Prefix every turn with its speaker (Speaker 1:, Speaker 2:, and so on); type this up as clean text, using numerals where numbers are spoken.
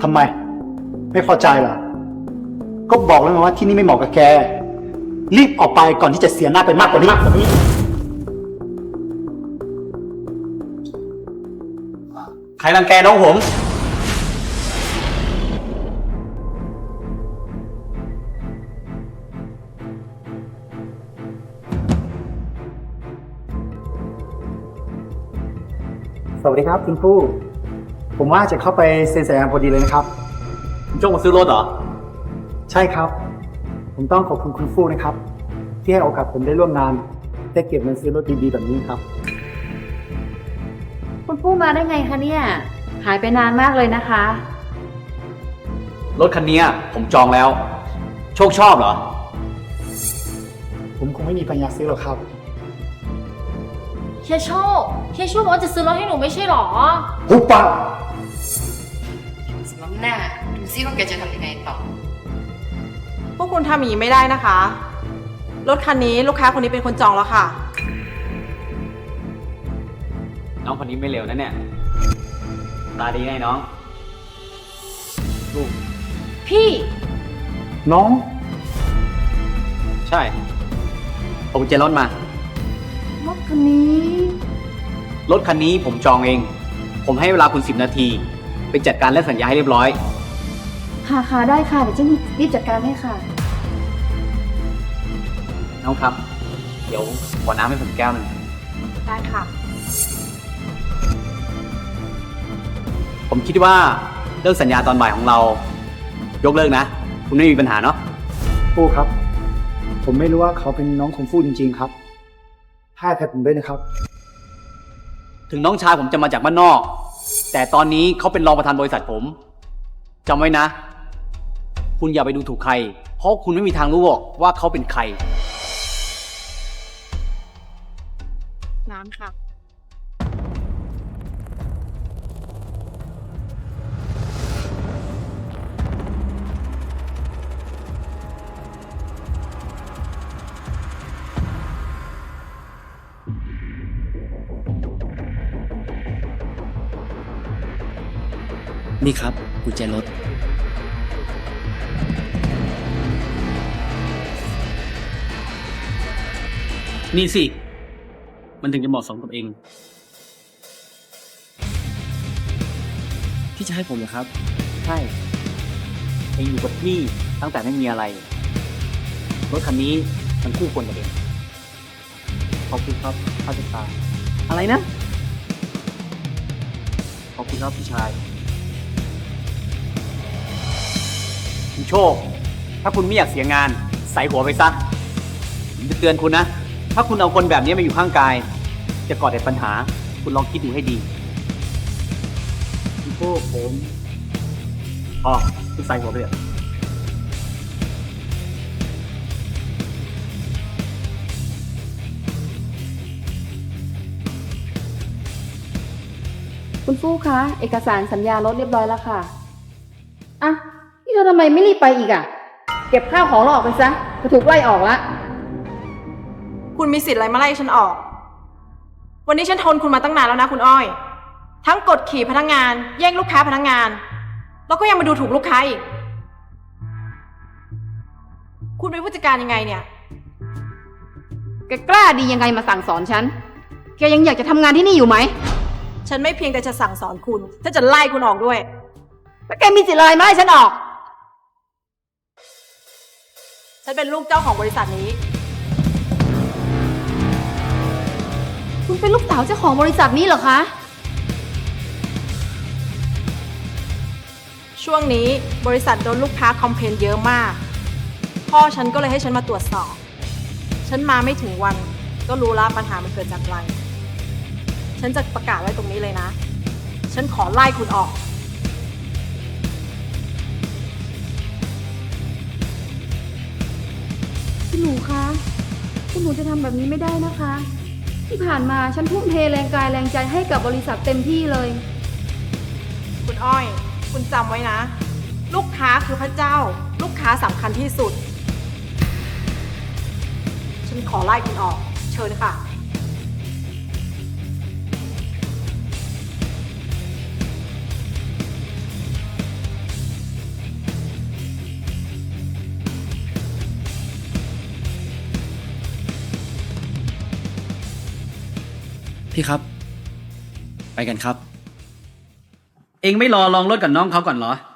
Speaker 1: ทำไม ไม่พอใจเหรอ ก็บอกแล้วไงว่าที่นี่ไม่เหมาะกับแก รีบออกไปก่อนที่จะเสียหน้าไปมากกว่านี้
Speaker 2: ใครรังแกน้องผม
Speaker 1: สวัสดีครับคุณผู้ ผมว่าจะเข้าไปเซ็นสัญญาพอดีเลยนะครับ
Speaker 2: คุณโจ้มาซื้อรถเหรอ
Speaker 1: ใช่ครับ ผมต้องขอบคุณคุณฟู่นะครับ ที่ให้โอกาสผมได้ร่วมงาน ได้เก็บเงินซื้อรถดีๆแบบนี้ครับ
Speaker 3: คุณผู้มาได้ไงคะเนี่ย หายไปนานมากเลยนะคะ
Speaker 2: รถคันนี้ผมจองแล้ว โชคชอบเหรอ
Speaker 1: ผมคงไม่มีปัญญาซื้อหรอกครับ
Speaker 4: เฮียโชบอกว่าจะซื้อรถให้หนูไม่ใช่หรอ
Speaker 1: หุบปาก
Speaker 5: สำหรับหน้าดูซิว่าแกจะทำยังไงต่อ
Speaker 6: พวกคุณทำอย่างนี้ไม่ได้นะคะ รถคันนี้ลูกค้าคนนี้เป็นคนจองแล้วค่ะ
Speaker 2: น้องคนนี้ไม่เร็วนะเนี่ย ตาดีไงน้อง ลูก
Speaker 4: พี่
Speaker 1: น้อง
Speaker 2: ใช่ผมกุญแจรถมา
Speaker 3: รถคันนี้
Speaker 2: รถคันนี้ผมจองเอง ผมให้เวลาคุณ10 นาที ไปจัดการและสัญญาให้เรียบร้อย
Speaker 3: ค่ะได้ค่ะ เดี๋ยวจะรีบจัดการให้ค่ะ
Speaker 2: น้องครับ เดี๋ยวขอน้ำให้ผมแก้วหนึ่ง
Speaker 6: ได้ค่ะ
Speaker 2: ผมคิดว่าเรื่องสัญญาตอนบ่ายของเรา ยกเลิกนะ คุณไม่มีปัญหาเนาะ
Speaker 1: ฟู่ครับ ผมไม่รู้ว่าเขาเป็นน้องของฟู่จริงๆครับให้อภัยผมด้วยนะครับ
Speaker 2: ถึงน้องชายผมจะมาจากบ้านนอก แต่ตอนนี้เขาเป็นรองประธานบริษัทผมจำไว้นะ คุณอย่าไปดูถูกใคร เพราะคุณไม่มีทางรู้หรอกว่าเขาเป็นใคร
Speaker 6: น้ำค่ะ
Speaker 7: นี่ครับกุญแจรถ
Speaker 2: นี่สิ มันถึงจะเหมาะสมกับเอง
Speaker 7: ที่จะให้ผมเหรอครับ
Speaker 2: ใช่ เองอยู่กับพี่ตั้งแต่ไม่มีอะไร รถคันนี้มันคู่ควรกับเองขอบคุณครับข้าจะตาอะไรนะ ขอบคุณครับพี่ชายคุณโชค ถ้าคุณไม่อยากเสียงานใส่หัวไปซะผมจะเตือนคุณนะ ถ้าคุณเอาคนแบบนี้มาอยู่ข้างกาย จะก่อแต่ปัญหา คุณลองคิดดูให้ดีคุณโชคผมอ๋อคุณใส่หัวไปเลย
Speaker 3: คุณฟู่คะ เอกสารสัญญารถเรียบร้อยแล้วค่ะ อ่ะ นี่เธอทำไมไม่รีบไปอีกอ่ะ เก็บข้าวของเราออกไปซะจะถูกไล่ออกละ
Speaker 6: คุณมีสิทธิ์อะไรมาไล่ฉันออก วันนี้ฉันทนคุณมาตั้งนานแล้วนะคุณอ้อย ทั้งกดขี่พนักงาน แย่งลูกค้าพนักงาน แล้วก็ยังมาดูถูกลูกค้าอีก คุณเป็นผู้จัดการยังไงเนี่ย
Speaker 3: แกกล้าดียังไงมาสั่งสอนฉัน แกยังอยากจะทำงานที่นี่อยู่ไหม
Speaker 6: ฉันไม่เพียงแต่จะสั่งสอนคุณฉันจะไล่คุณออกด้วย
Speaker 3: แล้วแกมีสิทธิ์อะไรมาไล่ฉันออก
Speaker 6: ฉันเป็นลูกเจ้าของบริษัทนี้
Speaker 3: คุณเป็นลูกสาวเจ้าของบริษัทนี้เหรอคะ
Speaker 6: ช่วงนี้บริษัทโดนลูกค้าคอมเพลนเยอะมาก พ่อฉันก็เลยให้ฉันมาตรวจสอบ ฉันมาไม่ถึงวัน ก็รู้แล้วปัญหามันเกิดจากอะไร ฉันจะประกาศไว้ตรงนี้เลยนะ ฉันขอไล่คุณออก
Speaker 3: คุณหนูคะ คุณหนูจะทำแบบนี้ไม่ได้นะคะ ที่ผ่านมาฉันทุ่มเทแรงกายแรงใจให้กับบริษัทเต็มที่เลย
Speaker 6: คุณอ้อย คุณจำไว้นะ ลูกค้าคือพระเจ้า ลูกค้าสำคัญที่สุด ฉันขอไล่คุณออก เชิญค่ะ
Speaker 7: พี่ครับ ไปกันครับ
Speaker 2: เองไม่รอลองรถกับน้องเขาก่อนเหรอ